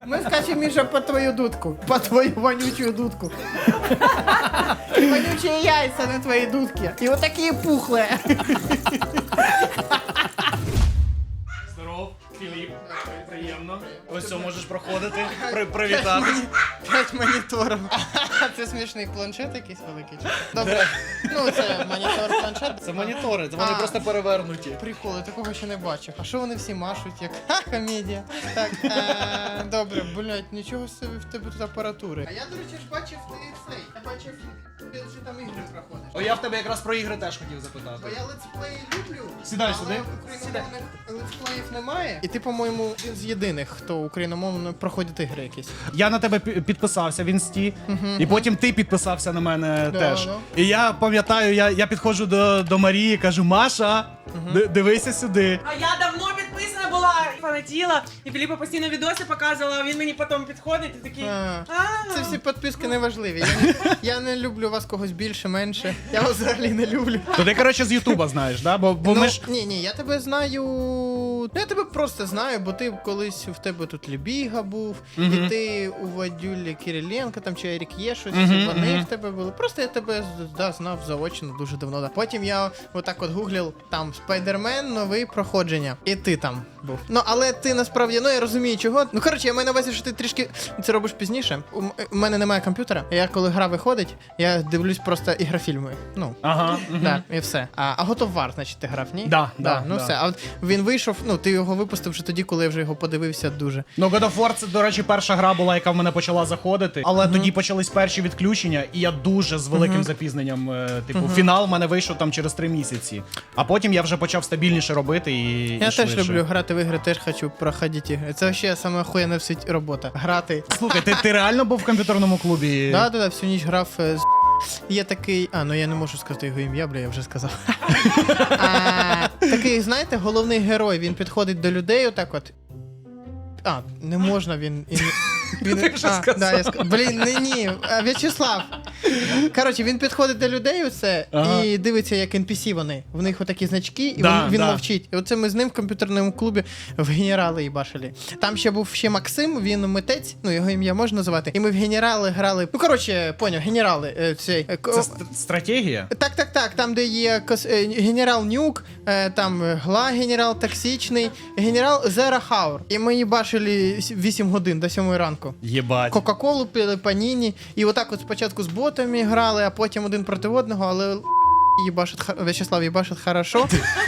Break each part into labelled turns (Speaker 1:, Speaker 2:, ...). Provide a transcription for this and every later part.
Speaker 1: Мы скачем, Миша, по твою дудку. По твою вонючую дудку. И вонючие яйца на твоей дудке. И вот такие пухлые.
Speaker 2: Здоров, Філіп. Приємно. Ось все, можеш проходити, привітатись.
Speaker 1: 5 моніторів. Це смішний планшет якийсь великий. Добре. Ну, це монітор, планшет.
Speaker 2: Це монітори, вони просто перевернуті.
Speaker 1: Приколи, такого ще не бачив. А що вони всі машуть, як комедія? Так, добре, блядь, нічого собі в тебе тут апаратури. А я, до речі, ж бачив ти цей. Я бачив, ти вже там ігри проходиш.
Speaker 2: О, я в тебе якраз про ігри теж хотів запитати.
Speaker 1: Бо я летсплеї люблю,
Speaker 2: Сідай
Speaker 1: але
Speaker 2: сюди.
Speaker 1: україномовних летсплеїв немає. І ти, по-моєму, один з єдиних, хто україномовно проходить ігри якісь.
Speaker 2: Я на тебе підписався в інсті, і потім ти підписався на мене теж.
Speaker 1: да.
Speaker 2: І я пам'ятаю, я підходжу до Марії, кажу: Маша, дивися сюди.
Speaker 3: А я давно підписана була, фанатіла, і Філіпа постійно відоси показувала, а він мені потім підходить і такий.
Speaker 1: Це всі підписки не важливі. Я не люблю вас когось більше, менше. Я вас взагалі не люблю.
Speaker 2: То ти, коротше, з Ютуба знаєш, да? Бо ми ж...
Speaker 1: Ні, я тебе знаю. Я тебе просто знаю, бо ти колись в тебе тут Лебіга був, і ти у Вадюлі Кириленка там чи Ерік є щось, вони в тебе були. Просто я тебе знав заочно дуже давно. Да. Потім я отак от гуглив там Спайдермен, новий проходження. І ти там був. Ну, але ти насправді, я розумію чого. Ну, коротше, я маю на увазі, що ти трішки це робиш пізніше. У мене немає комп'ютера. Я коли гра виходить, я дивлюсь просто ігрофільми. Ну,
Speaker 2: Ага.
Speaker 1: так, і все. А God of War, значить, ти грав, ні?
Speaker 2: Да,
Speaker 1: Ну все. А от він вийшов, ти його випустив вже тоді, коли я вже його подивився дуже.
Speaker 2: Ну, God of War, це, до речі, перша гра була, яка в мене почала заходити. Але тоді почались перші відключення, і я дуже з великим запізненням, фінал в мене вийшов там через 3 місяці. А потім я вже почав стабільніше робити і
Speaker 1: Я теж
Speaker 2: швидше.
Speaker 1: люблю грати в ігри, теж хочу проходити ігри. Це ще саме охуєнна в світі робота. Грати.
Speaker 2: Слухай, ти реально був в комп'ютерному клубі?
Speaker 1: Да, всю ніч грав з... Є такий... я не можу сказати його ім'я, я вже сказав. Такий, знаєте, головний герой, він підходить до людей отак от. Не можна, він...
Speaker 2: Ти вже сказав.
Speaker 1: Да, я Блін, ні, В'ячеслав. Коротше, він підходить до людей оце і дивиться, як NPC вони. В них отакі значки, і він мовчить. І оце ми з ним в комп'ютерному клубі в генерали їбашили. Там ще був Максим, він митець, його ім'я можна називати. І ми в генерали грали. Поняв, генерали.
Speaker 2: Це стратегія?
Speaker 1: Так, там, де є генерал Нюк, там Гла генерал токсичний, генерал Зера Хаур. І ми їбашили 8 годин до 7 ранку.
Speaker 2: Єбать.
Speaker 1: Кока-колу пили, паніні. І отак от спочатку з ботами грали, а потім один проти одного, але В'ячеслав їбашить хорошо.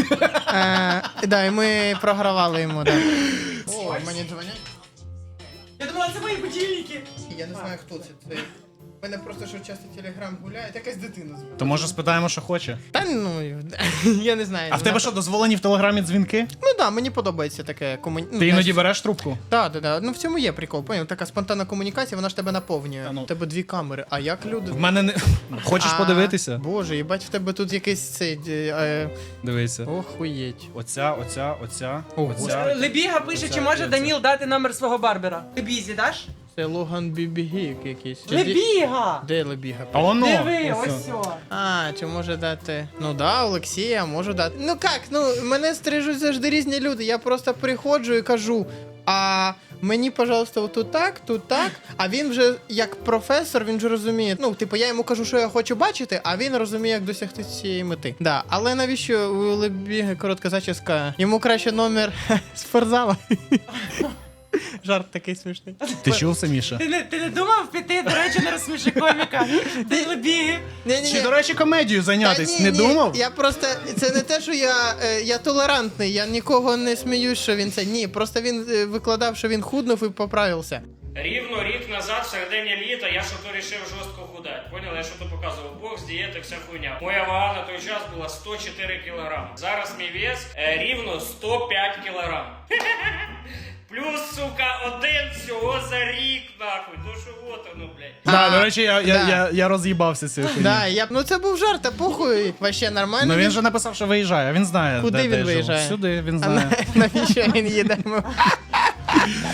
Speaker 1: І ми програвали йому, так. О, мені дзвонять.
Speaker 3: Я думала, це мої будильники.
Speaker 1: Я не знаю, хто це. У мене просто що часто телеграм гуляє, якась дитина звук.
Speaker 2: То може спитаємо, що хоче?
Speaker 1: Я не знаю.
Speaker 2: А в тебе що, дозволені в Телеграмі дзвінки?
Speaker 1: Мені подобається таке комунікація.
Speaker 2: Ти іноді береш трубку?
Speaker 1: Так. В цьому є прикол, поняв? Така спонтанна комунікація, вона ж тебе наповнює. У тебе 2 камери, а як люди...
Speaker 2: В мене не... Хочеш подивитися?
Speaker 1: Боже, їбать, в тебе тут якийсь цей...
Speaker 2: Дивися.
Speaker 1: Охуєть.
Speaker 2: Оця.
Speaker 3: Лебіга пише, чи може Даніл дати номер свого барбера. Лебізі даш?
Speaker 1: Це Логан Бібігік якийсь.
Speaker 3: Лебіга!
Speaker 1: Де Лебіга?
Speaker 2: А воно.
Speaker 3: Диви, ось все.
Speaker 1: Чи може дати... Олексія, можу дати. Мене стрижуть завжди різні люди. Я просто приходжу і кажу, мені, пожалуйста, тут так, а він вже, як професор, він же розуміє. Я йому кажу, що я хочу бачити, а він розуміє, як досягти цієї мети. Да, але навіщо у Лебіги коротка зачіска? Йому краще номер спортзала. Жарт такий смішний.
Speaker 2: Ти чув це, Міша?
Speaker 3: Ти не думав піти, до речі, на розсміши коміка? Ти Лебіги.
Speaker 2: Чи, до речі, комедію зайнятись? Не думав?
Speaker 1: Я просто, це не те, що я толерантний, я нікого не сміюсь, що він це. Ні, просто він викладав, що він худнув і поправився.
Speaker 4: Рівно рік назад, в середині літа, я що то рішив жорстко худати. Поняли? Я що то показував бокс, дієти, вся хуйня. Моя вага на той час була 104 кілограми. Зараз мій вес рівно 105 кілограм. Плюс, сука, один всього за рік, нахуй. То що вот воно, блядь.
Speaker 2: Да, до речі, я роз'їбався з цією хуйнею.
Speaker 1: Да, це був жарт, а похуй, вообще нормально.
Speaker 2: Він же написав, що виїжджає, він знає,
Speaker 1: Куди
Speaker 2: де
Speaker 1: він
Speaker 2: я
Speaker 1: виїжджає?
Speaker 2: живу. Сюди, він знає.
Speaker 1: Навіщо він їде?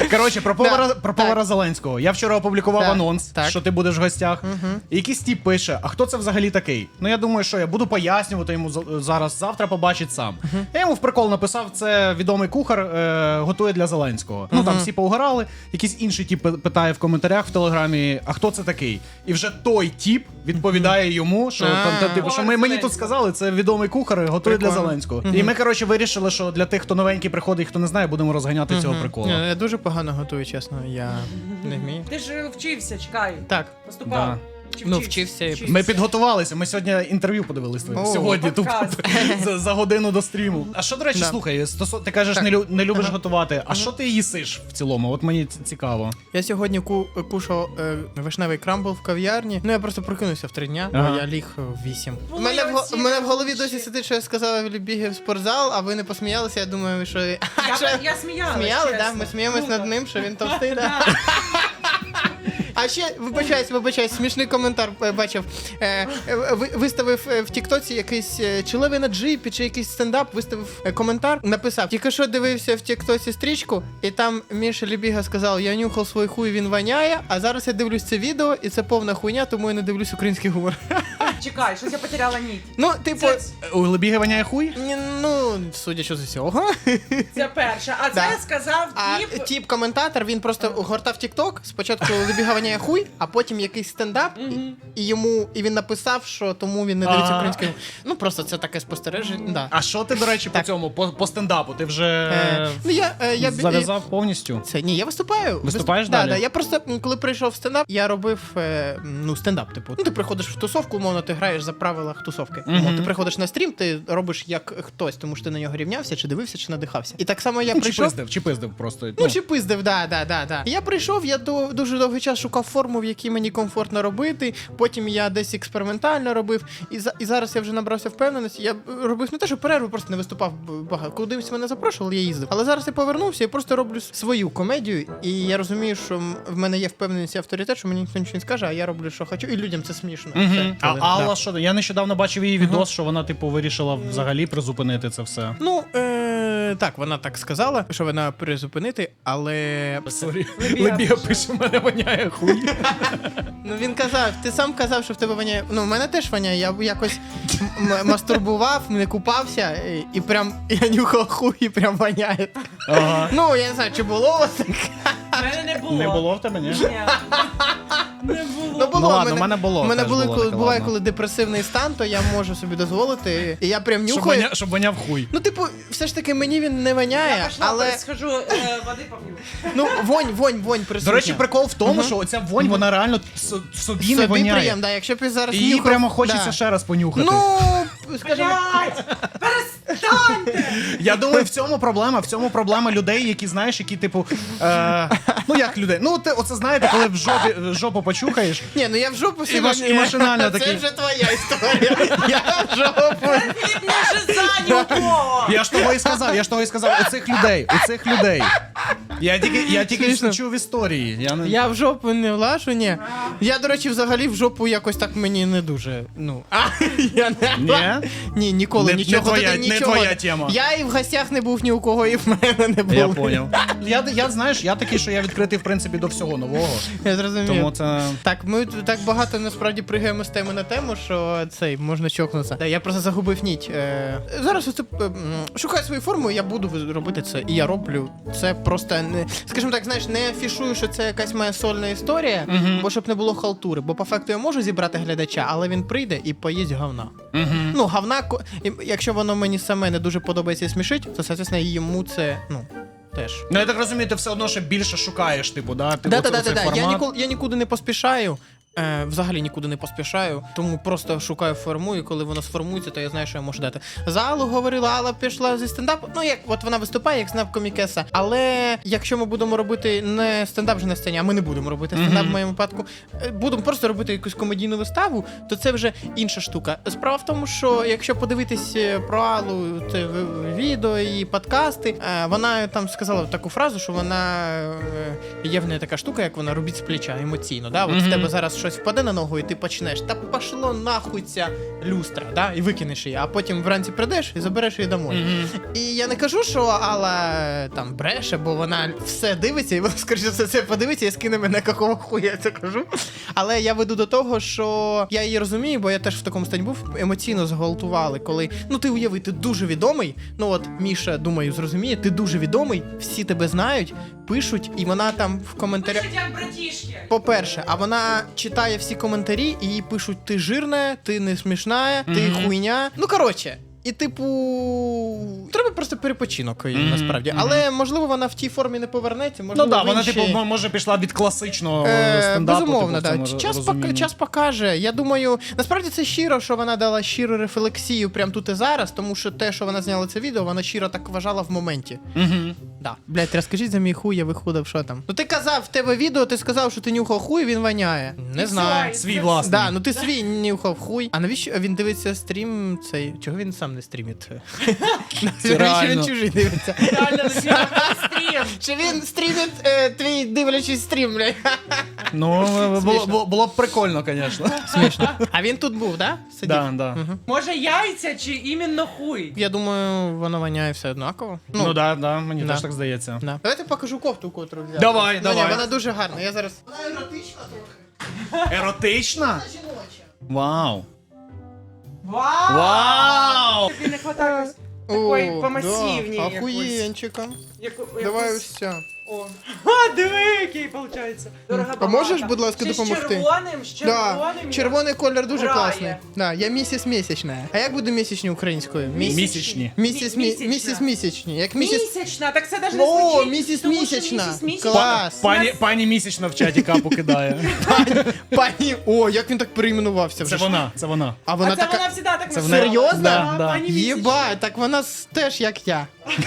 Speaker 2: Коротше, про повара Зеленського. Я вчора опублікував
Speaker 1: Так,
Speaker 2: анонс,
Speaker 1: так.
Speaker 2: що ти будеш в гостях. І якийсь тіп пише, а хто це взагалі такий? Ну я думаю, що я буду пояснювати йому завтра побачить сам. Я йому в прикол написав, це відомий кухар, готує для Зеленського. Ну там всі поугорали, якийсь інший тіп питає в коментарях в Телеграмі, а хто це такий? І вже той тіп відповідає йому, що типу, що мені тут сказали, це відомий кухар, готує для Зеленського. І ми, коротше, вирішили, що для тих, хто новенький приходить, хто не знає, будемо розганяти цього приколу.
Speaker 1: Ні, я дуже погано готую, чесно, я не вмію.
Speaker 3: Ти ж вчився, чекай.
Speaker 1: Так.
Speaker 3: Поступав.
Speaker 2: Да.
Speaker 3: Чи
Speaker 1: Ну, вчився.
Speaker 2: Ми підготувалися, ми сьогодні інтерв'ю подивились твоє.
Speaker 1: О,
Speaker 2: Сьогодні тут
Speaker 3: подкаст.
Speaker 2: за годину до стріму. А що, до речі,
Speaker 1: Да.
Speaker 2: слухай, ти кажеш,
Speaker 1: Так.
Speaker 2: не любиш готувати. А що ти їсиш в цілому? От мені цікаво.
Speaker 1: Я сьогодні кушав вишневий крамбл в кав'ярні. Ну я просто прокинувся в 3 дня,
Speaker 2: Ага.
Speaker 1: бо я ліг в 8. У
Speaker 3: Були
Speaker 1: мене
Speaker 3: оці
Speaker 1: в мене в голові
Speaker 3: речі.
Speaker 1: досі сидить, що я сказала, бігав в спортзал, а ви не посміялися. Я думаю, що
Speaker 3: Я сміялась,
Speaker 1: сміяли,
Speaker 3: чесно.
Speaker 1: да? Ми сміємось
Speaker 3: Круто.
Speaker 1: над ним, що він товстий, да? А ще, вибачаюсь, смішний коментар бачив. Виставив в Тіктоці якийсь чоловік на джипі чи якийсь стендап, виставив коментар, написав: тільки що дивився в Тіктоці стрічку, і там Міша Лебіга сказав, я нюхав свій хуй, він воняє, а зараз я дивлюсь це відео, і це повна хуйня, тому я не дивлюсь український гумор.
Speaker 3: Чекай, щось я потеряла нить.
Speaker 1: Ну, типу,
Speaker 2: У Лебіги воняє хуй?
Speaker 1: ну, судячи з усього.
Speaker 3: Це перше. А
Speaker 1: Да.
Speaker 3: це сказав
Speaker 1: А
Speaker 3: тіп.
Speaker 1: тіп-коментатор, він просто гортав Тік-Ток, спочатку Лебіга воняє хуй, а потім якийсь стендап, і він написав, що тому він не дивиться
Speaker 2: Ага.
Speaker 1: українською. Ну, просто це таке спостереження, да.
Speaker 2: А що ти, до речі, по цьому, по стендапу? Ти вже
Speaker 1: Ну, я
Speaker 2: зав'язав повністю?
Speaker 1: Ні, я виступаю.
Speaker 2: Виступаєш
Speaker 1: Да,
Speaker 2: далі?
Speaker 1: да. Я просто, коли прийшов в стендап, я робив стендап, типу. Ну, ти приходиш в тусовку, умовно, ти граєш за правилах тусовки. Умовно, ти приходиш на стрім, ти робиш як хтось, тому що ти на нього рівнявся, чи дивився, чи надихався. І так само я прийшов.
Speaker 2: Чи пиздив просто.
Speaker 1: Ну, чи пиздив, да. І я прийшов, я дуже довгий час шукав форму, в якій мені комфортно робити. Потім я десь експериментально робив. І зараз я вже набрався впевненості. Я робив не те, що перерву, просто не виступав багато. Кудись мене запрошували, я їздив. Але зараз я повернувся і просто роблю свою комедію. І я розумію, що в мене є впевненість і авторитет, що мені ніхто нічого не скаже, а я роблю, що хочу. І людям це смішно. Все.
Speaker 2: А
Speaker 1: Да.
Speaker 2: Алла, що? Я нещодавно бачив її відос, що вона, типу, вирішила взагалі призупинити це все.
Speaker 1: Ну, так, вона так сказала, що вона призупинити, але.
Speaker 2: Сорі. Лебіга пише, у мене воняє хуй.
Speaker 1: Ну він казав, ти сам казав, що в тебе воняє. Ну, в мене теж воняє. Я якось мастурбував, не купався, і прям я нюхав хуй, і прям воняє.
Speaker 2: Ага.
Speaker 1: Ну, я не знаю, чи було у вас таке.
Speaker 3: В мене не було.
Speaker 2: Не було в тебе, ні?
Speaker 3: Ні. Не було.
Speaker 1: Ну, було.
Speaker 2: Ну, ладно, в мене було,
Speaker 1: У мене
Speaker 2: теж
Speaker 1: були,
Speaker 2: було
Speaker 1: коли
Speaker 2: таке,
Speaker 1: буває,
Speaker 2: ладно.
Speaker 1: коли депресивний стан, то я можу собі дозволити. І я прям
Speaker 2: Щоб
Speaker 1: нюхаю.
Speaker 2: щоб воняв хуй.
Speaker 1: Ну, типу, все ж таки мені він не воняє,
Speaker 3: Я пішла,
Speaker 1: але.
Speaker 3: схожу, води поп'ю.
Speaker 1: Ну, вонь присутня.
Speaker 2: До речі, прикол в тому, що оця вонь, вона реально собі не воняє.
Speaker 1: приємно, да, якщо б я зараз
Speaker 2: І її
Speaker 1: нюхав,
Speaker 2: прямо хочеться
Speaker 1: да.
Speaker 2: ще раз понюхати.
Speaker 1: Ну, скажімо.
Speaker 3: Блядь! Перестаньте!
Speaker 2: Я думаю, в цьому проблема людей, які, знаєш, які, типу, ну як людей? Ну, ти оце знаєте, коли в жопу почухаєш.
Speaker 1: Ні, ну я в жопу сьогодні.
Speaker 2: і машинально
Speaker 1: Це
Speaker 2: такий.
Speaker 1: вже твоя історія. Я в жопу.
Speaker 3: Філіп не жиза нікого!
Speaker 2: Я ж того і сказав, у цих людей. Я тільки
Speaker 1: Смішно.
Speaker 2: чув історії.
Speaker 1: Я в жопу не влажу, ні. Я, до речі, взагалі в жопу якось так мені не дуже. Ну. Я не.
Speaker 2: Ні?
Speaker 1: Ні, ніколи
Speaker 2: Не
Speaker 1: нічого.
Speaker 2: твоя-
Speaker 1: Туди
Speaker 2: не
Speaker 1: нічого.
Speaker 2: твоя тема.
Speaker 1: Я і в гостях не був ні у кого, і в мене не було.
Speaker 2: Я поняв. Я знаєш, я такий, що я відкритий, в принципі, до всього нового.
Speaker 1: Я зрозумів.
Speaker 2: Тому це.
Speaker 1: Так, ми так багато насправді пригаємо з теми на тему, що цей можна чокнутися. Да, я просто загубив ніть. Зараз оце, шукаю свою форму, і я буду робити це. І я роблю це просто не, скажімо так, знаєш, не афішую, що це якась моя сольна історія, бо щоб не було халтури. Бо по факту я можу зібрати глядача, але він прийде і поїсть говна. Ну, говна, якщо воно мені саме не дуже подобається і смішить, то, соответственно, йому це, ну, теж.
Speaker 2: Ну, я так розумію, ти все одно ще більше шукаєш, типу, да? Ти оцей
Speaker 1: Да.
Speaker 2: формат.
Speaker 1: Я нікуди не поспішаю. Взагалі нікуди не поспішаю, тому просто шукаю форму, і коли воно сформується, то я знаю, що я можу дати. За Аллу говорила, Алла пішла зі стендапу. Ну, як от вона виступає, як стендап-комікеса. Але якщо ми будемо робити не стендап вже на сцені, а ми не будемо робити стендап в моєму випадку, будемо просто робити якусь комедійну виставу, то це вже інша штука. Справа в тому, що якщо подивитись про Аллу, це відео і подкасти, вона там сказала таку фразу, що вона є в неї така штука, як вона робить з плеча емоційно. Да? От в тебе зараз щось впаде на ногу, і ти почнеш. Та пошло нахуй ця люстра, да? І викинеш її, а потім вранці прийдеш і забереш її домой. І я не кажу, що Алла там бреше, бо вона все дивиться, і вона, скоріше за це подивиться і скине мене, какого хуя я це кажу. Але я веду до того, що я її розумію, бо я теж в такому стані був, емоційно зґвалтували, коли, ну ти уяви, ти дуже відомий, ну от Міша, думаю, зрозуміє, ти дуже відомий, всі тебе знають, пишуть, і вона там в коментарях...
Speaker 3: Пишуть як братішки.
Speaker 1: По-перше, а вона читає всі коментарі, і їй пишуть, ти жирна, ти не смішна, ти хуйня. Ну, коротше. І, типу, треба просто перепочинок їй, насправді. Але, можливо, вона в тій формі не повернеться. Можливо,
Speaker 2: Ну так,
Speaker 1: в
Speaker 2: вона,
Speaker 1: іншій...
Speaker 2: типу, може пішла від класичного стендапу.
Speaker 1: Безумовно,
Speaker 2: типу, в
Speaker 1: так.
Speaker 2: цьому
Speaker 1: Час,
Speaker 2: розумінні.
Speaker 1: час покаже. Я думаю, насправді це щиро, що вона дала щиру рефлексію прямо тут і зараз, тому що те, що вона зняла це відео, вона щиро так вважала в моменті. Да. Блять, розкажіть за мій хуй, я виходив, що там. Ну ти казав, в тебе відео, ти сказав, що ти нюхав хуй, він воняє. Не знаю.
Speaker 2: Свій власний.
Speaker 1: Да, ну ти свій нюхав хуй. А навіщо він дивиться стрім цей? Чого він сам не стрімить? Навіщо
Speaker 2: реально.
Speaker 1: він чужий дивиться?
Speaker 3: Реально, на стрім.
Speaker 1: Чи він стрімить твій дивлячись стрім, блядь?
Speaker 2: Ну,
Speaker 1: Смішно.
Speaker 2: було б прикольно, звісно.
Speaker 1: Смішно. А він тут був, да? Сидів?
Speaker 2: Да, да.
Speaker 3: Може яйця чи іменно хуй?
Speaker 1: Я думаю, воно воняє все однаково.
Speaker 2: Ну да, да, мені
Speaker 1: да.
Speaker 2: теж так здається.
Speaker 1: Да. Давайте покажу кофту, котру взяв.
Speaker 2: Давай,
Speaker 1: Ну,
Speaker 2: давай.
Speaker 1: Ні, вона дуже гарна. Я зараз... Вона еротична трохи.
Speaker 2: Еротична?
Speaker 1: Жіноча.
Speaker 2: Вау.
Speaker 3: Вау!
Speaker 2: Вау!
Speaker 3: Тобі не хватає такої помасивній
Speaker 1: Да,
Speaker 3: якоїсь.
Speaker 1: охуєнчика.
Speaker 3: Яку-
Speaker 1: Давай
Speaker 3: якусь-
Speaker 1: ось ця.
Speaker 3: О. А, диви, який виходить. Дорога
Speaker 1: А можеш,
Speaker 3: багата.
Speaker 1: будь ласка,
Speaker 3: Ще
Speaker 1: допомогти?
Speaker 3: З червоним.
Speaker 1: Да, червоний колір дуже
Speaker 3: грає.
Speaker 1: класний. Да, я місіс місячна. А як буде місячні українською?
Speaker 2: Місячні.
Speaker 1: Місіс місячні. Як місіс...
Speaker 3: Місячна, так це навіть не
Speaker 1: О,
Speaker 3: звучить.
Speaker 1: місіс
Speaker 3: тому що
Speaker 1: місячна.
Speaker 3: місіс місячна.
Speaker 1: Клас.
Speaker 2: Пані місячна в чаті капу кидає.
Speaker 1: Пані, о, як він так перейменувався вже.
Speaker 2: Це вона, це вона.
Speaker 1: А
Speaker 3: А
Speaker 1: вона
Speaker 3: це
Speaker 1: така...
Speaker 3: вона завжди так
Speaker 2: Це
Speaker 3: називала.
Speaker 1: вона- Серйозно?
Speaker 3: Да,
Speaker 2: Да.
Speaker 3: пані місячна.
Speaker 1: Єбать, так вона теж як я.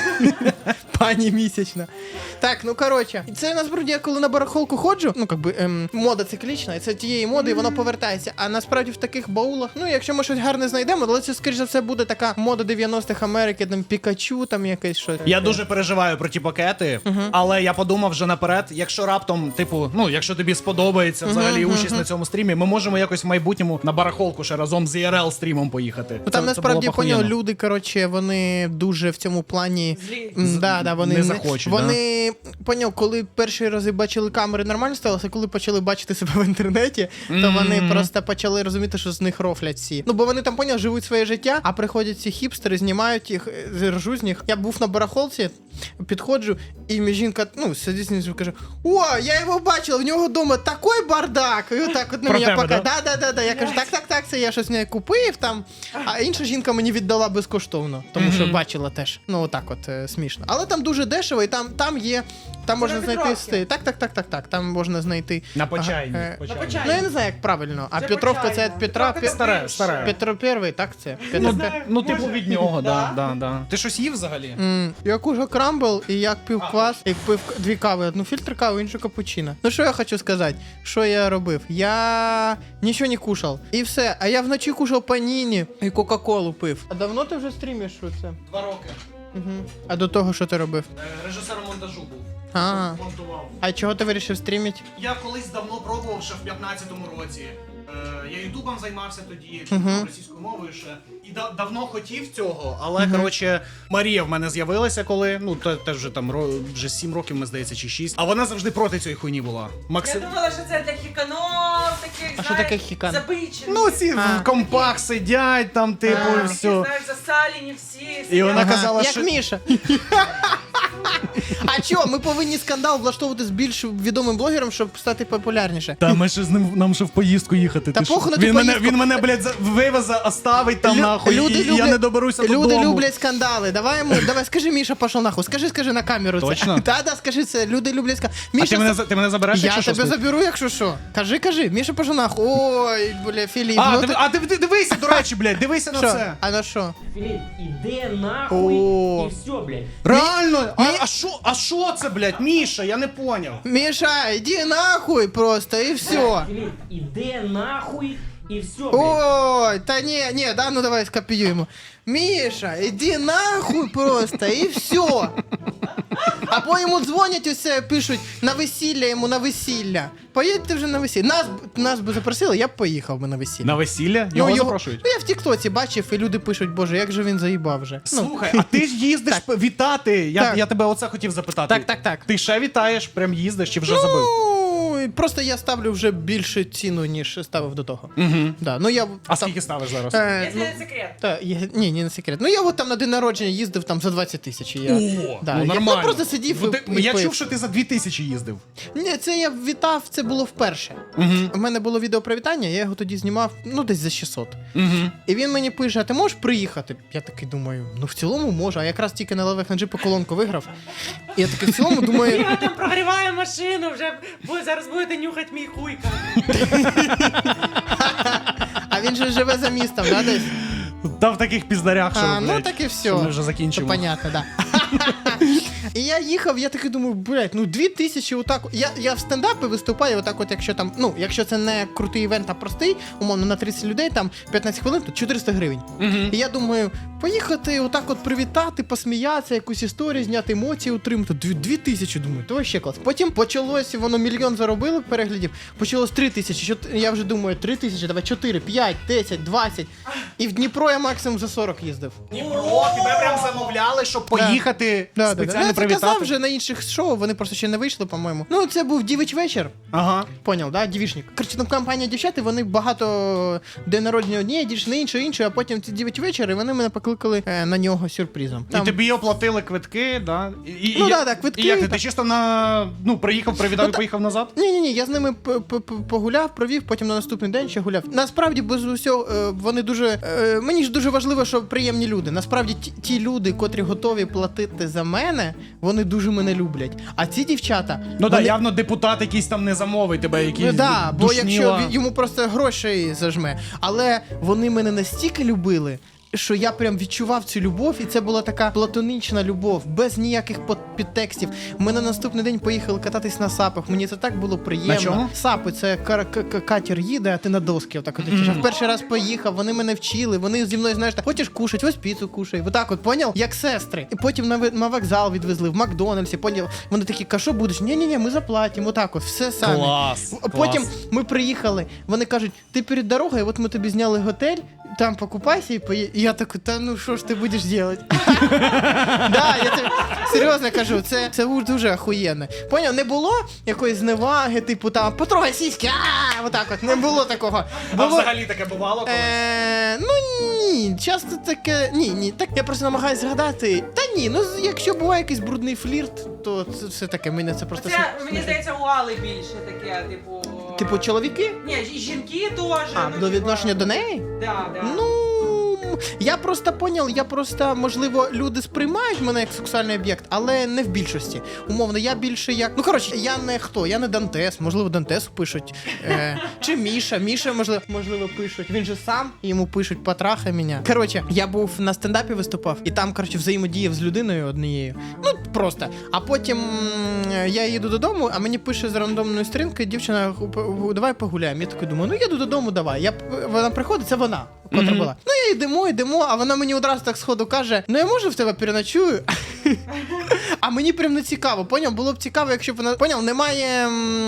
Speaker 1: Пані місячна. Так, ну коротше, це насправді я коли на барахолку ходжу, ну якби мода циклічна, і це тієї моди, і воно повертається. А насправді в таких баулах, ну якщо ми щось гарне знайдемо, але це скоріш за все буде така мода 90-х Америки, там Пікачу, там якесь щось.
Speaker 2: Я дуже переживаю про ті пакети, але я подумав вже наперед, якщо раптом, типу, ну, якщо тобі сподобається взагалі участь на цьому стрімі, ми можемо якось в майбутньому на барахолку ще разом з IRL стрімом поїхати.
Speaker 1: Ну там
Speaker 2: Це
Speaker 1: насправді
Speaker 2: було б
Speaker 1: поняв,
Speaker 2: охуєнно.
Speaker 1: люди, коротше, вони дуже в цьому плані.
Speaker 3: Злі.
Speaker 1: Да, вони
Speaker 2: не захочуть,
Speaker 1: Вони поняв, коли перші рази бачили камери, нормально сталося, коли почали бачити себе в інтернеті, то вони просто почали розуміти, що з них рофлять всі. Ну бо вони там поняв, живуть своє життя, а приходять ці хіпстери, знімають їх, ржу з них. Я був на барахолці, підходжу, і мені жінка, ну, сидить знизу, каже: о, я його бачила, в нього вдома такий бардак. І отак от на
Speaker 2: Про
Speaker 1: мене
Speaker 2: тебе,
Speaker 1: показує. Да. Я кажу, так, це я щось в неї купив там. А інша жінка мені віддала безкоштовно, тому що бачила теж. Ну, отак от смішно. Але там дуже дешево, і там є. Там можна знайти
Speaker 3: Петровки.
Speaker 1: Так. Там можна знайти.
Speaker 2: На почайні.
Speaker 1: Ага,
Speaker 3: На почайні.
Speaker 1: Ну я не знаю, як правильно. А
Speaker 3: Це
Speaker 1: Петровка це
Speaker 3: почайно.
Speaker 1: від Петра.
Speaker 3: Петровка
Speaker 2: Старе, старе.
Speaker 1: Петро Первий, так це?
Speaker 2: Ну,
Speaker 1: Петро
Speaker 2: ну, типу
Speaker 3: Може.
Speaker 2: від нього,
Speaker 3: Да.
Speaker 2: да. Ти щось їв взагалі?
Speaker 1: Я кушав крамбл, і як пив квас, як пив дві кави, одну фільтр кави, іншу капучино. Ну що я хочу сказати? Що я робив? Я нічого не кушав. І все. А я вночі кушав паніні і кока-колу пив. А давно ти вже стрімиш що це?
Speaker 2: 2 роки.
Speaker 1: А до того що ти робив?
Speaker 2: Режисером монтажу був.
Speaker 1: А.
Speaker 2: Монтував.
Speaker 1: А чого ти вирішив стрімити?
Speaker 2: Я колись давно пробував ще в 15-му році. Я ютубом займався тоді, російською мовою ще. І давно хотів цього, але, коротше, Марія в мене з'явилася, коли, ну, теж вже там, вже 7 років, ми здається, чи 6. А вона завжди проти цієї хуйні була.
Speaker 3: Я думала, що це для хіканов, таких,
Speaker 1: А що таке хікан?
Speaker 3: забичених.
Speaker 2: Ну, ці в компах сидять, там, типу, і
Speaker 3: Такі,
Speaker 2: все.
Speaker 3: знаєш, засалені всі.
Speaker 2: І вона казала,
Speaker 1: як
Speaker 2: що...
Speaker 1: Міша. А чого? Ми повинні скандал влаштовувати з більш відомим блогером, щоб стати популярніше.
Speaker 2: Та ми ще з ним, нам ще в поїздку їхати.
Speaker 1: Та
Speaker 2: ти що?
Speaker 1: похуй на ту поїздку.
Speaker 2: Він мене, блядь, вивезе, оставить там нахуй, і я не доберуся додому.
Speaker 1: Люди люблять скандали. Давай, скажи, Міша, пішов нахуй. Скажи на камеру це.
Speaker 2: Точно?
Speaker 1: Да, скажи це. Люди люблять скандали.
Speaker 2: А
Speaker 1: Міша,
Speaker 2: ти мене забереш,
Speaker 1: я
Speaker 2: якщо
Speaker 1: тебе
Speaker 2: що?
Speaker 1: заберу, якщо що. Кажи. Міша, пішов нахуй. Ой, бля, Філіп.
Speaker 2: Ти дивися, до речі, блядь, дивися на
Speaker 1: Що?
Speaker 2: це.
Speaker 1: А на що?
Speaker 5: Филипп, иди нахуй
Speaker 1: О.
Speaker 5: и все, блядь.
Speaker 2: Реально? А що це, блядь, Міша? Я не поняв.
Speaker 1: Міша, іди нахуй просто, і все.
Speaker 5: Филипп, иди нахуй и все, блядь.
Speaker 1: Ой, та ні, да, ну давай скопіюємо. Міша, іди нахуй просто, і все. Або йому дзвонять усе, пишуть на весілля йому, на весілля. Поїдьте вже на весілля. Нас би запросили, я б поїхав би на весілля.
Speaker 2: На весілля? Його запрошують?
Speaker 1: Ну я в тіктоці бачив, і люди пишуть, боже, як же він заїбав вже.
Speaker 2: Слухай, а ти ж їздиш вітати.
Speaker 1: Так.
Speaker 2: Я тебе оце хотів запитати.
Speaker 1: Так.
Speaker 2: Ти ще вітаєш, прям їздиш чи вже забив?
Speaker 1: Ну, просто я ставлю вже більше ціну, ніж ставив до того. Да, ну я
Speaker 2: А скільки ставиш зараз?
Speaker 3: Якщо не секрет.
Speaker 1: Ні, не секрет. Ну я от там на день народження їздив там за 20 тисяч.
Speaker 2: О, ну нормально.
Speaker 1: Я просто сидів
Speaker 2: Я
Speaker 1: пив.
Speaker 2: чув, що ти за 2000 їздив.
Speaker 1: Ні, це я вітав, це було вперше. У мене було відео про вітання, я його тоді знімав, ну десь за 600. І він мені пише, а ти можеш приїхати? Я такий думаю, ну в цілому можу, а якраз тільки на левих на джипу колонку виграв. І я такий в цілому думаю...
Speaker 3: Я там прогріваю машину, вже зараз будете нюхати мій хуй.
Speaker 1: А він же живе за містом, да, десь?
Speaker 2: Та в таких піздарях, що,
Speaker 1: Ну
Speaker 2: блядь,
Speaker 1: так і все.
Speaker 2: що ми вже закінчимо.
Speaker 1: То понятно, да. І я їхав, я такий думаю, блядь, ну 2000 отак. Я в стендапі виступаю отак от, якщо там, ну, якщо це не крутий івент, а простий, умовно, на 30 людей, там 15 хвилин, то 400 гривень. І я думаю, поїхати отак от привітати, посміятися, якусь історію, зняти емоції, утримати. 2000, думаю, то ще клас. Потім почалось, воно 1 мільйон заробили переглядів, почалось 3000, я вже думаю, 3000, давай 4, 5, 10, 20. І в Дніпро я максимум за 40 їздив.
Speaker 2: Дніпро, тебе прям замовляли, щоб поїхати спеціально
Speaker 1: Я це казав
Speaker 2: привітати.
Speaker 1: вже на інших шоу, вони просто ще не вийшли, по-моєму. Ну, це був дівич вечір.
Speaker 2: Ага.
Speaker 1: Поняв, да? Дівічник. Короче, там компанія дівчат, і вони багато день народження однієї, дівчини іншої, а потім ці дівич вечір, і вони мене покликали на нього сюрпризом.
Speaker 2: І тобі оплатили квитки, да?
Speaker 1: Ну, да, квитки,
Speaker 2: І як ти?
Speaker 1: так.
Speaker 2: Ти чисто приїхав, привітав і поїхав назад?
Speaker 1: Ні, я з ними погуляв, провів, потім на наступний день ще гуляв. Насправді, без усього, вони дуже... Мені ж дуже важливо, що приємні люди. Насправді, ті люди, котрі готові платити за мене, вони дуже мене люблять. А ці дівчата...
Speaker 2: Ну так,
Speaker 1: вони...
Speaker 2: явно депутат якийсь там не замовить тебе, якийсь
Speaker 1: Ну да, бо
Speaker 2: душніла.
Speaker 1: якщо йому просто грошей зажме. Але вони мене настільки любили, що я прям відчував цю любов, і це була така платонічна любов, без ніяких підтекстів. Ми на наступний день поїхали кататись на сапах, мені це так було приємно.
Speaker 2: На чому?
Speaker 1: Сапи, це катер їде, а ти на доски отак от летиш. Я в перший раз поїхав, вони мене вчили, вони зі мною, знаєш, так, хочеш кушать, ось піцу кушай. Отак от, поняв? Як сестри. І потім на вокзал відвезли, в Макдональдсі, поняв? Вони такі, ка що будеш? Ні, ми заплатимо, отак от, все самі.
Speaker 2: Клас,
Speaker 1: Потім
Speaker 2: клас.
Speaker 1: ми приїхали, вони кажуть, ти перед дорогою, от ми тобі зняли готель, там покупайся і поїдь. І я такий, та ну що ж ти будеш робити? Да, я тобі серйозно кажу, це дуже охуєнно. Поняв, не було якоїсь зневаги, типу там, потрогай сіськи, отак от, не було такого.
Speaker 2: А взагалі таке бувало колись?
Speaker 1: Ну ні, часто таке, ні, так я просто намагаюся згадати. Та ні, ну якщо буває якийсь брудний флірт, то це все таке, мене це просто...
Speaker 3: Це, мені здається, у Алли більше таке, типу...
Speaker 1: Типу чоловіки?
Speaker 3: Ні, і жінки теж.
Speaker 1: А, до відношення до неї?
Speaker 3: Да.
Speaker 1: Ну, я просто поняв, можливо, люди сприймають мене як сексуальний об'єкт, але не в більшості. Умовно, я більше як... Ну, коротше, я не Дантес, можливо, Дантесу пишуть. Чи Міша, можливо, пишуть. Він же сам, і йому пишуть, потрахай мене. Коротше, я був на стендапі виступав, і там, коротше, взаємодіяв з людиною однією. Ну, просто. А потім я їду додому, а мені пише з рандомної сторінки дівчина, давай погуляємо. Я такий думаю, ну, їду додому, давай. Вона приходить, це вона, котра була. Ну, я йдемо, а вона мені одразу так сходу каже, ну я можу в тебе переночую? А мені прям не цікаво, поняв? Було б цікаво, якщо б вона... Поняв, немає...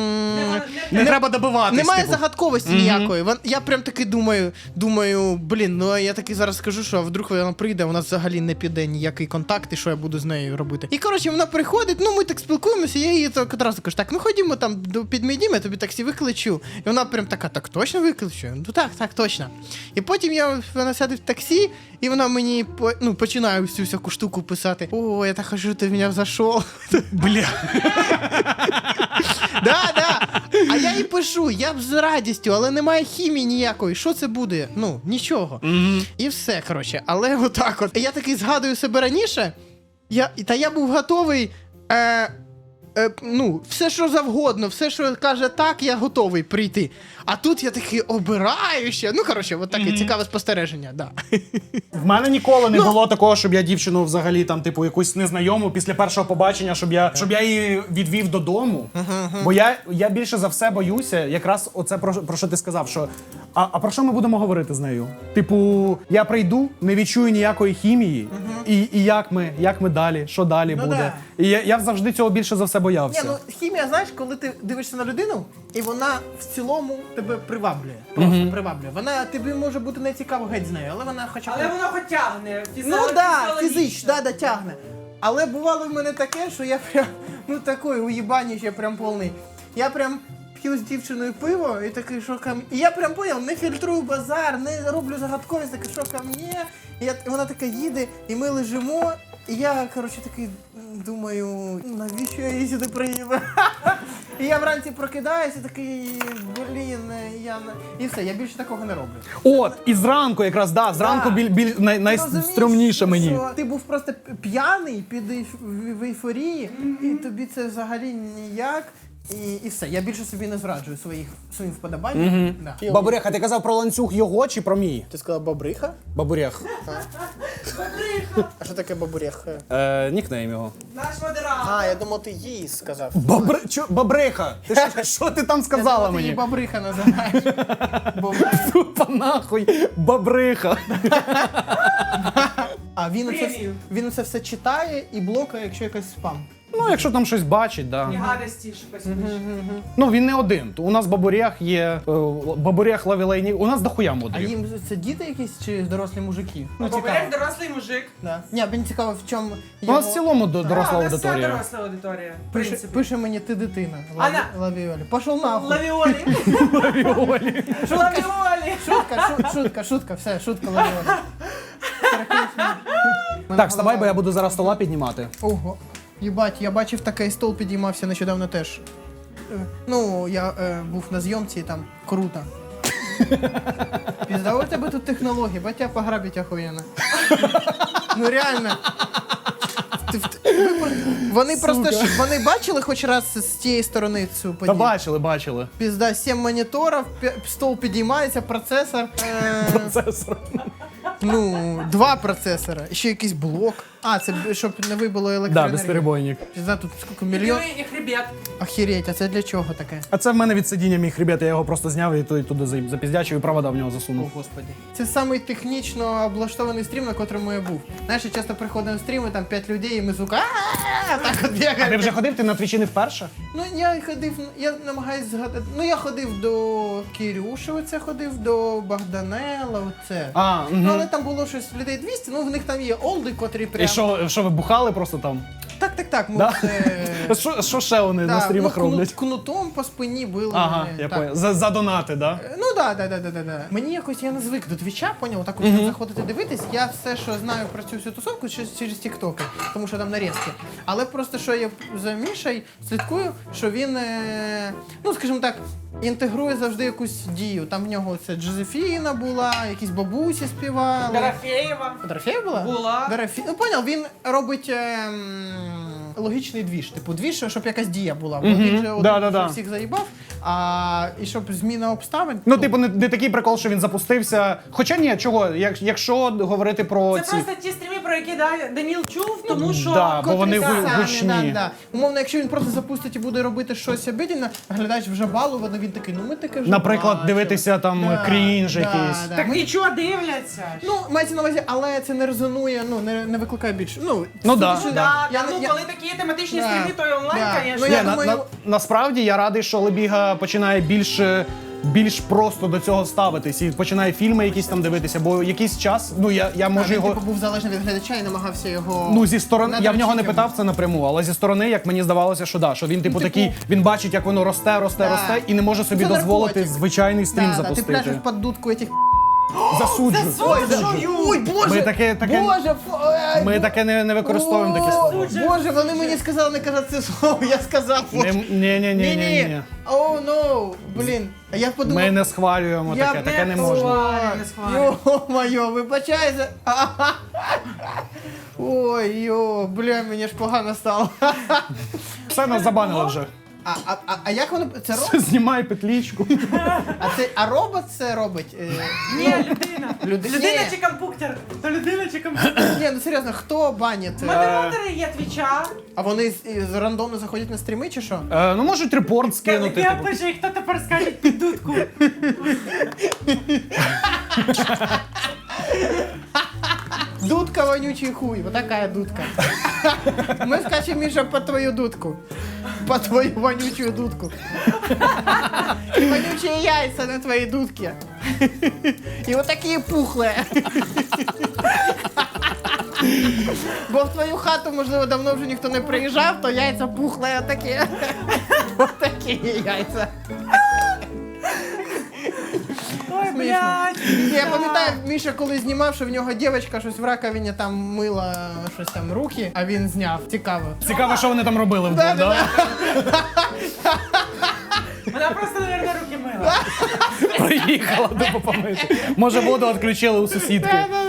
Speaker 2: Не треба добиватись.
Speaker 1: Немає
Speaker 2: типу.
Speaker 1: загадковості ніякої. Я прям таки думаю, блін, ну я таки зараз скажу, що вдруг вона прийде, у нас взагалі не піде ніякий контакт, і що я буду з нею робити. І коротше, вона приходить, ну ми так спілкуємося, я їй так одразу кажу, так, ну ходімо там під мій дім, я тобі таксі викличу. І вона прям така, так точно викличу? Ну так, точно. І потім вона сяде в таксі, і вона мені починає всю всяку штуку писати. О, я так хочу, ти в мене зайшов.
Speaker 2: Бля.
Speaker 1: Да. А я їй пишу, я б з радістю, але немає хімії ніякої. Що це буде? Ну, нічого. І все, коротше. Але отак от. Я такий згадую себе раніше, я був готовий ну, все, що завгодно, все, що каже так, я готовий прийти. А тут я такий обираю ще. Ну, коротше, от таке цікаве спостереження, да.
Speaker 2: В мене ніколи не було такого, щоб я дівчину взагалі там, типу, якусь незнайому після першого побачення, щоб я її відвів додому. Бо я більше за все боюся, якраз оце про що ти сказав, що а про що ми будемо говорити з нею? Типу, я прийду, не відчую ніякої хімії, і як ми далі, що далі буде. І я завжди цього більше за все боявся.
Speaker 1: Ні, ну хімія, знаєш, коли ти дивишся на людину, і вона в цілому тебе приваблює. Просто приваблює. Вона тобі може бути не цікаво геть з нею, але вона хоча б.
Speaker 3: Але воно хоч тягне.
Speaker 1: Ну да, фізично, да, тягне. Але бувало в мене таке, що я прям, ну такий уїбаніч, я прям повний. Я прям п'ю з дівчиною пиво і такий, що ко мне. І я прям поняв, не фільтрую базар, не роблю загадковість, такий, що ко мне. І вона така їде, і ми лежимо. І я, коротше, такий думаю, навіщо я її сюди приїхав? І я вранці прокидаюся, такий, блін, і все, я більше такого не роблю.
Speaker 2: От, і зранку якраз, да, зранку найстрімніше мені.
Speaker 1: Що ти був просто п'яний, в ейфорії, і тобі це взагалі ніяк. І все, я більше собі не зраджую своїм вподобанням. Да.
Speaker 2: Бабурех, а ти казав про ланцюг його чи про мій?
Speaker 1: Ти сказала бабриха?
Speaker 2: Бабурех.
Speaker 1: А що таке бабурех?
Speaker 2: Нікнейм його.
Speaker 3: Наш модератор.
Speaker 1: А, я думав, ти їй сказав.
Speaker 2: Бабриха! Що ти там сказала
Speaker 1: Ти її
Speaker 2: мені?
Speaker 1: бабриха називаєш. Бабриха.
Speaker 2: Тупа нахуй, бабриха.
Speaker 1: А він це все читає і блокає, якщо якийсь спам.
Speaker 2: Ну, якщо там щось бачить, да.
Speaker 3: І гадості, що письмеш.
Speaker 2: Ну, він не один. У нас бабурях є, бабурях лавілейні, у нас дохуя
Speaker 1: А
Speaker 2: модулів.
Speaker 1: їм це діти якісь чи дорослі мужики? Ну,
Speaker 3: Побереш дорослий мужик.
Speaker 1: Да. Ні, мені цікаво, в чому
Speaker 2: У нас в цілому доросла
Speaker 3: у нас вся
Speaker 2: аудиторія.
Speaker 3: доросла аудиторія. В принципі.
Speaker 1: Пише мені ти дитина.
Speaker 3: Ана.
Speaker 1: Лавіолі. Пошов нахуй.
Speaker 3: Лавіолі.
Speaker 2: Лавіолі.
Speaker 3: Лавіолі.
Speaker 1: Шутка, все, шутка лавіолі.
Speaker 2: Так, вставай, бо я буду зараз стола піднімати.
Speaker 1: Ого. Єбать, я бачив такий стол підіймався нещодавно теж. Ну, я був на зйомці там. Круто. Пізда, у тебе тут технології, батя пограбить охуєнно. Ну реально. Вони просто ж, вони бачили хоч раз з тієї сторони цю подію?
Speaker 2: Та бачили.
Speaker 1: Пізда, 7 моніторів, стол підіймається, процесор.
Speaker 2: Процесор.
Speaker 1: Ну, 2 процесора, ще якийсь блок. А, це щоб не вибило
Speaker 2: Да,
Speaker 1: електроенергію.
Speaker 2: безперебойник.
Speaker 1: Пізда, тут скільки мільйон.
Speaker 3: І хребет.
Speaker 1: Охереть, а це для чого таке?
Speaker 2: А це в мене від сидіння мій хребет, я його просто зняв і туди запіздячив і провода в нього
Speaker 1: О,
Speaker 2: засунув.
Speaker 1: господи. Це самий технічно облаштований стрім, на котрому я був. Знаєш, я часто приходив на стріми, там 5 людей, і ми звука так от
Speaker 2: А ти
Speaker 1: бігає.
Speaker 2: вже ходив? Ти на твічі не вперше?
Speaker 1: Ну, я ходив, я намагаюсь згадати. Ну, я ходив до Кирюши, оце ходив, до Богданела, оце. Ну, але там було щось людей 200, ну, в них там є олди, котрі прям...
Speaker 2: І що ви бухали просто там?
Speaker 1: Так, ми
Speaker 2: Да?
Speaker 1: це...
Speaker 2: Що ще вони на стрімах роблять?
Speaker 1: Кнутом по спині били
Speaker 2: Ага,
Speaker 1: мене.
Speaker 2: я
Speaker 1: Так.
Speaker 2: понял. За донати, да?
Speaker 1: Ну да. Мені якось я не звик до твіча, поняв, так от заходити дивитись. Я все, що знаю про цю всю тусовку, через тіктоки, тому що там нарізки. Але просто що я за Мішей слідкую, що він, ну скажімо так, інтегрує завжди якусь дію. Там в нього це Джозефіна була, якісь бабусі співали.
Speaker 3: Дорофеєва.
Speaker 1: Дорофеєва була?
Speaker 3: Була.
Speaker 1: Ну поняв, він робить логічний двіж. Типу двіж, щоб якась дія була. Бо він же
Speaker 2: Да.
Speaker 1: всіх заїбав, і щоб зміна обставин.
Speaker 2: Ну, типу, не такий прикол, що він запустився. Хоча ні, чого, якщо говорити про
Speaker 3: Це
Speaker 2: ці...
Speaker 3: просто ті стріми, про які Даніл чув, тому що...
Speaker 2: да, бо вони
Speaker 1: котрі самі,
Speaker 2: гучні.
Speaker 1: Да. Умовно, якщо він просто запустить і буде робити щось обідільне, глядач вже балований, він такий, ну ми таке вже
Speaker 2: Наприклад,
Speaker 1: бачили.
Speaker 2: дивитися там крінж якийсь.
Speaker 1: Да.
Speaker 3: Так і чого дивляться?
Speaker 1: Ну, мається на увазі, але це не резонує, ну, не викликає більше. Ну
Speaker 2: да.
Speaker 1: судячи-
Speaker 3: Да,
Speaker 1: я-
Speaker 3: ну
Speaker 1: я-
Speaker 3: коли такі тематичні
Speaker 1: Да.
Speaker 3: стріми, то і онлайн,
Speaker 1: Да.
Speaker 3: звісно.
Speaker 1: Ну, я
Speaker 2: Ні,
Speaker 1: думаю-
Speaker 2: насправді я радий, що Лебіга починає більш просто до цього ставитись і починає фільми якісь там дивитися, бо якийсь час, ну я можу
Speaker 1: він,
Speaker 2: його...
Speaker 1: типу, був залежний від глядача і намагався його...
Speaker 2: Ну, зі сторони, я в нього не
Speaker 1: надрочити.
Speaker 2: питав це напряму, але зі сторони, як мені здавалося, що да, що він типу
Speaker 1: типу-
Speaker 2: такий, він бачить, як воно росте і не може собі
Speaker 1: Це
Speaker 2: дозволити
Speaker 1: наркотик.
Speaker 2: звичайний стрім
Speaker 1: Ти
Speaker 2: запустити.
Speaker 1: пляшеш під дудку этих...
Speaker 2: Засуджу.
Speaker 1: Ой, боже!
Speaker 2: Ми таке
Speaker 1: Боже,
Speaker 2: ми таке не використовуємо таке слово.
Speaker 1: Боже, вони мені сказали не казати це слово, я сказав.
Speaker 2: Ні.
Speaker 1: Оу, ну, блін. А я подумав...
Speaker 2: Ми не схвалюємо таке не можна.
Speaker 3: Не схвалюю.
Speaker 1: Йо-моє, вибачайся. Ой, бля, мені ж погано стало.
Speaker 2: Все, нас забанили вже.
Speaker 1: А як воно це робить?
Speaker 2: Знімай петлічку.
Speaker 1: А робот це робить?
Speaker 3: Ні, людина.
Speaker 1: Людина.
Speaker 3: Людина чи компуктер? То людина чи компуктер?
Speaker 1: Ні, ну серйозно, хто банить?
Speaker 3: Модератори є Твіча.
Speaker 1: А вони рандомно заходять на стріми чи що?
Speaker 2: Ну можуть репорт скинути.
Speaker 3: Я
Speaker 2: типу.
Speaker 3: пишу, і хто тепер скаже під дудку?
Speaker 1: Дудка вонючий хуй, вот такая дудка. Мы скачем, Миша, по твою дудку. По твою вонючую дудку. Вонючие яйца на твоей дудке. И вот такие пухлые. Бо в твою хату, можливо, давно вже ніхто не приїжджав, то яйця пухлі отакі. Ось такі яйця.
Speaker 3: Ой, блядь.
Speaker 1: Я пам'ятаю, Міша коли знімав, що в нього дівчинка щось в раковині там мила щось там руки, а він зняв. Цікаво.
Speaker 2: Цікаво, що вони там робили вдвох, да?
Speaker 3: Вона просто, мабуть, руки мила.
Speaker 2: Приїхала до помити. Може, воду відключили у сусідки.